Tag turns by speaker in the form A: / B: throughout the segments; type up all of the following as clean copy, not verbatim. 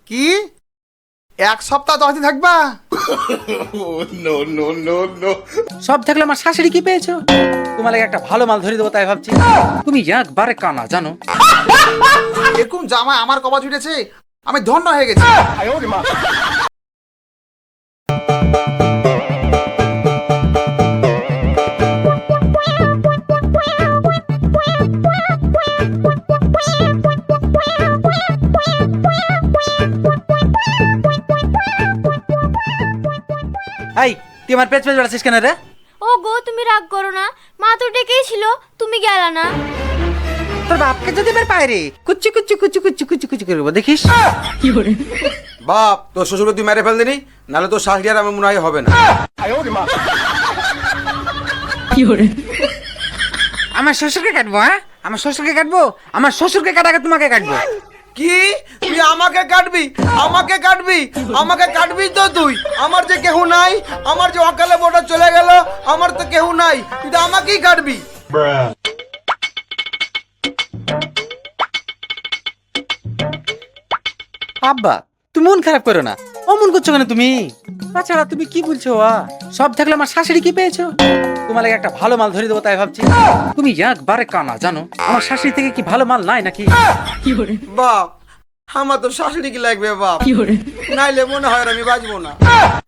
A: কি 1 সপ্তাহ 10 দিন থাকবা?
B: সব থাকলে আমার শাশুড়ি কি পেয়েছো? তোমার লাগে একটা ভালো মাল ধরে দেবো তাই ভাবছি। তুমি একবারে কানা জানো।
A: এরকম জামাই আমার কপাল ছুটেছে, আমি ধন্য হয়ে গেছি।
B: এই তুই আমার পেছ পেছ বেড়াচ্ছিস কেন রে?
C: ও গো, তুমি রাগ করো না, মা তো ডেকেই ছিল, তুমি গেলা না।
B: তোর বাপকে যদি বের পায় রে কুচু কুচু কুচু কুচু কুচু কুচু করবো দেখিস। কি করে
D: বাপ তোর শ্বশুরকে তুই মেরে ফেল দিনি, নাহলে তোর শাশুড়ি আর আমার মনে হয় হবে না।
B: কি করে আমার শ্বশুরকে কাটবো? হ্যাঁ আমার শ্বশুরকে কাটবো? আমার শ্বশুরকে কাটাকে তোমাকে কাটবো।
D: কি তুই আমাকে কাটবি? আমাকে কাটবি? আমাকে কাটবি তো তুই? আমার যে কেউ নাই, আমার যে অকালে বোটা চলে গেল, আমার তো কেউ নাই, তুই তো আমাকেই কাটবি।
B: আব্বা তুমি মন খারাপ করো না, অমন করছো কেন তুমি? তাছাড়া তুমি কি বলছো? সব থাকলে আমার শাশুড়ি কি পেয়েছো? তোমার লাগে একটা ভালো মাল ধরে দেবো তাই ভাবছি। তুমি একবারে কানা জানো, আমার শাশুড়ি থেকে কি ভালো মাল নাই নাকি? কি করে
D: বাপ আমার তো শাশুড়ি কি লাগবে বাপ,
B: কি করে
D: নাইলে মনে হয় আর আমি বাঁচবো না।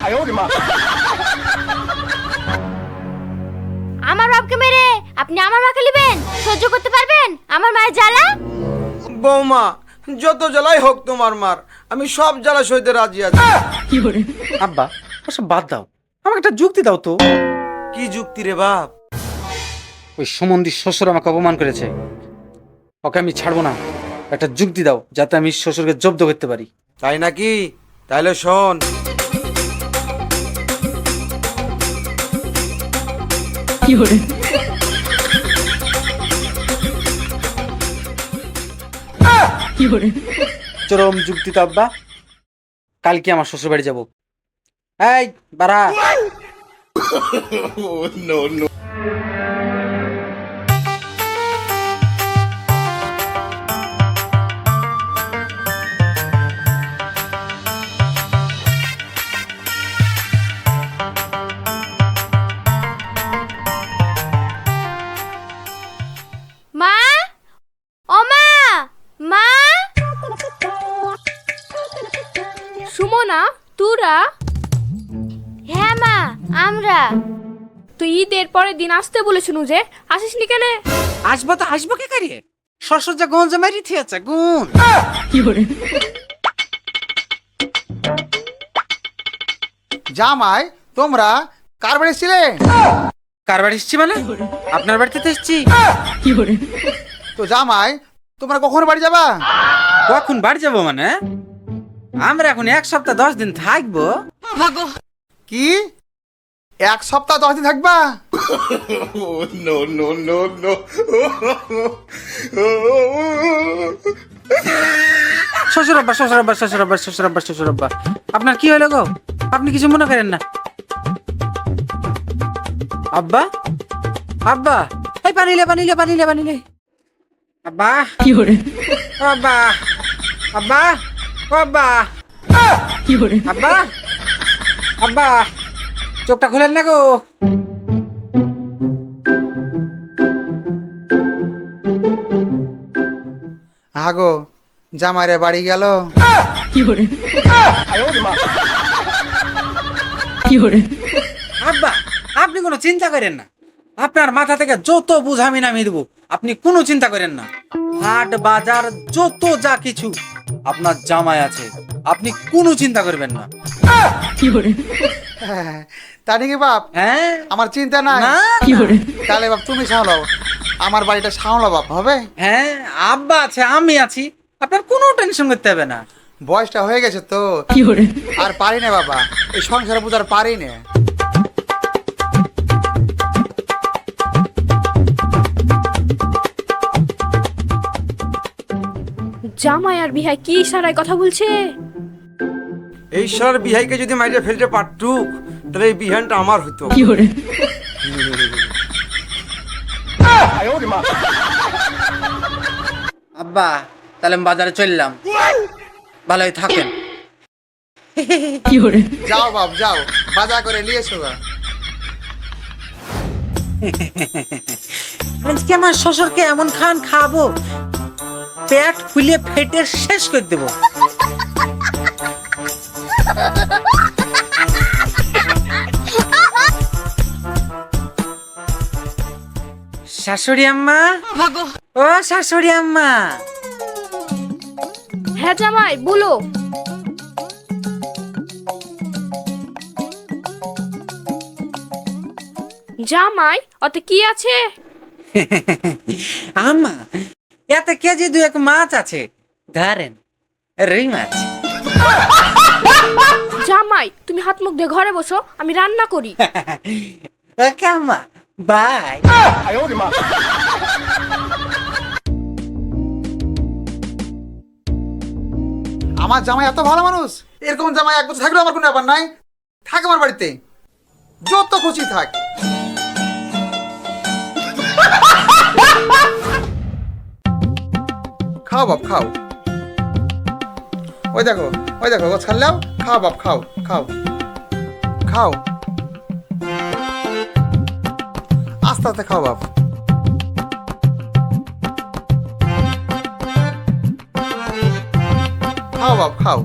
C: আমার বাপকে মেরে আপনি আমার মাকে নেবেন? সহ্য করতে পারবেন আমার মায়ের জ্বালা?
D: বৌমা যত জ্বালাই হোক তোমার মার, আমি সব জ্বালা সইতে রাজি আছি।
B: কি করে আব্বা ওসব বাদ দাও, আমাকে একটা যুক্তি দাও তো।
D: কি যুক্তি রে বাপ?
B: ওই সুমন্দির শ্বশুর আমাকে অপমান করেছে, ওকে আমি ছাড়বো না। একটা যুক্তি দাও যাতে আমি শ্বশুরকে জব্দ করতে পারি।
D: তাই নাকি? তাইলে শোন।
B: কি করে কি করে চরম যুক্তি তো আব্বা। কালকে আমার শ্বশুর বাড়ি যাবো। এই বাড়া।
C: মা, ও মা, মা।
E: সুমনা, তোরা?
C: হ্যাঁ মা, আমরা।
E: তুই ঈদের পরের দিন আসতে বলেছিনু যে, আসিসনি কেন?
B: আসবো তো আসবো কে কারিয়ে, শ্বশুর যা গুণ জমাই থিয়েছে গুণ। কি করে
A: জামাই তোমরা কার বাড়ি ছিলে?
B: কার বাড়ি এসছি মানে? আপনার বাড়িতে তো এসছি। কি করে
A: তো জামাই তোমরা কখন বাড়ি যাবা?
B: কখন বাড়ি যাবো মানে? আমরা এখন 1 সপ্তাহ 10 দিন থাকবো।
A: কি 1 সপ্তাহ 10 দিন থাকবা?
B: শ্বশুর আব্বা শ্বশুর আব্বা শ্বশুর আব্বা শ্বশুর আব্বা শ্বশুর আব্বা, আপনার কি হলো গো? আপনি কিছু মনে করেন না। আব্বা আব্বা এই পানিলে পানিলে পানিলে পানিলে। আব্বা কি করে আব্বা আব্বা আব্বা কি করে আব্বা আব্বা চোখটা খুলেন না গো।
A: আগো জামাইরে বাড়ি গেল।
B: কি করে কি করে আব্বা আপনি কোনো চিন্তা করেন না, আপনার মাথা থেকে যত বুঝ আমি নামিয়ে দেবো, আপনি কোনো চিন্তা করেন না। হাট বাজার যত যা কিছু আপনার জামাই আছে, আপনি কোনো চিন্তা করবেন না। কি করে
A: তা নাকি বাপ?
B: হ্যাঁ
A: আমার চিন্তা নাই।
B: না কি করে
A: তাহলে বাপ তুমি সামলাও, আমার বাড়িটা সামলাও বাপ, হবে?
B: হ্যাঁ আব্বা আছে আমি আছি, আপনার কোনো টেনশন করতে হবে না।
A: বয়সটা হয়ে গেছে তো,
B: কি করে
A: আর পারি না বাবা, এই সংসারে বুঝার পারি না।
E: জামাই আর বিহাই কি ইশারায় কথা বলছে?
D: এই সার বিহাইকে যদি মাইরে ফেলতে পারতুক, তাহলে এই বিহানটা আমার হতো।
B: কি করে আব্বা তাহলে আমি বাজারে চললাম, ভালোই থাকেন।
A: যাও বাপ যাও, বাজার করে নিয়ে এসো গা।
B: আজকে আমার শ্বশুরকে এমন খান খাবো, পেট ফুলে ফেটে শেষ করে দেবো। শাশুড়ি আম্মা, ও শাশুড়ি আম্মা,
E: হ্যাঁ জামাই বলো। জামাই ওতে কি আছে?
B: আম্মা এতে কেজি 2 মাছ আছে, ধরেন রুই মাছ।
E: জামাই তুমি হাত মুখ দিয়ে ঘরে বসো, আমি রান্না করি।
B: ওকে আম্মা, বাই।
A: আমার জামাই এত ভালো মানুষ, এরকম জামাই এক বছর থাকলেও আমার কোনো ব্যাপার নাই। থাক আমার বাড়িতে, যত খুশি থাক। খাও বাপ খাও, ওই দেখো ও ছাড়লেও খাও বাপ খাও খাও খাও, আস্তে আস্তে খাও বাপ। খাও বাপ খাও।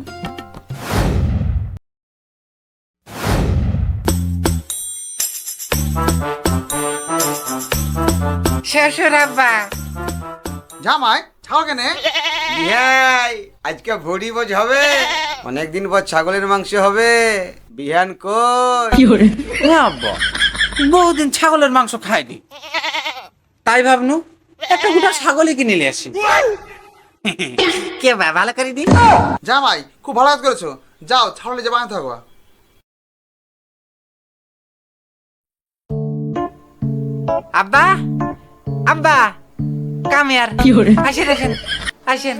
B: শ্বশুর আব্বা,
A: জামাই ছাও কেনে?
D: বিহাই আজকে ভরি বোঝ হবে, অনেকদিন পর ছাগলের মাংস হবে। বিহান কই?
B: ও আব্বা, বহুদিন ছাগলের মাংস খাইনি, তাই ভাবনু একটা গোটা ছাগলই কিনে নিয়ে আসি। কে বা ভালো করে দি।
A: জামাই খুব ভালো কাজ করেছো, যাও ছাড়লে যে বানাতে থাকো।
B: আব্বা, আব্বা কামিয়ার আসেন আসেন আসেন,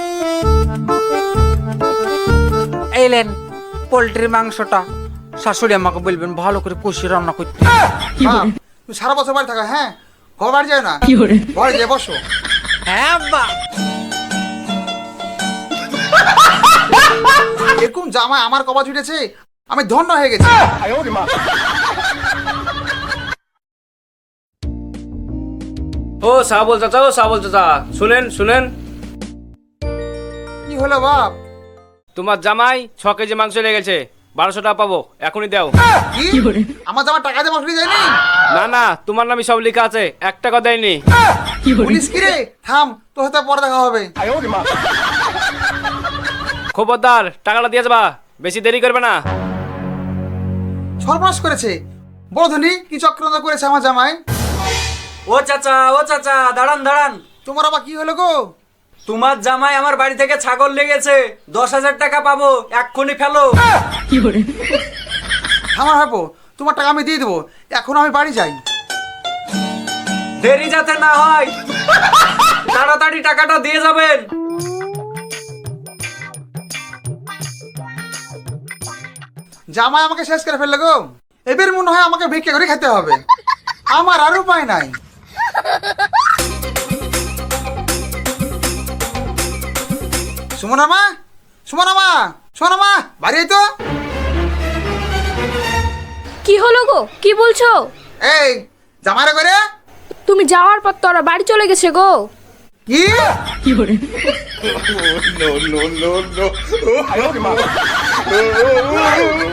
B: এইলেন পোল্ট্রির মাংসটা। শাশুড়ি আমাকে বলবেন ভালো করে কষিয়ে রান্না করতে।
A: মা, তুমি সারা বছর বাড়ি থাকা, হ্যাঁ ঘর বাড়ি যায় না, ঘরে যেয়ে বসো।
B: হ্যাঁ আব্বা।
A: এরকম জামাই আমার কপাল ছুটেছে, আমি ধন্য হয়ে গেছি।
F: ও সাবল চাচা শুনেন শুনেন,
A: কি হলো বাপ?
F: তোমার জামাই 6 কেজি মাংস লেগেছে, 1200 টাকা পাবো, এখনই দাও।
A: কি আমার জামা টাকা দিয়ে মাংস যায়নি?
F: না না, তোমার নামই সব লেখা আছে, 1 টাকা দেয়নি।
A: পুলিশ কি রে? থাম, তোর সাথে পরে দেখা হবে।
F: খবরদার, টাকাটা দিয়ে যাবা, বেশি দেরি করবে না।
A: সর্বনাশ করেছে, বড় ধনী কি চক্রান্ত করেছে আমার জামাই।
G: ও চাচা দাঁড়ান দাঁড়ান,
A: তোমার আবার কি হলো গো?
G: তোমার জামাই আমার বাড়ি থেকে ছাগল লেগেছে, 10,000 টাকা পাবো, এক্ষুনি ফেলো।
A: আমার ভাবো তোমার টাকা আমি দিয়ে দেবো, এখন আমি বাড়ি যাই।
G: দেরি যাতে না হয়, তাড়াতাড়ি টাকাটা দিয়ে যাবেন।
A: জামাই আমাকে শেষ করে ফেললো গো, এবার মনে হয় আমাকে ভিক্ষা করে খেতে হবে, আমার আর উপায় নাই। সুমনা মা বাড়ি আয় তো।
E: কি হলো গো, কি বলছো?
A: এই জামাইরা করে
E: তুমি যাওয়ার পর তো ওরা বাড়ি চলে গেছে গো।
A: কি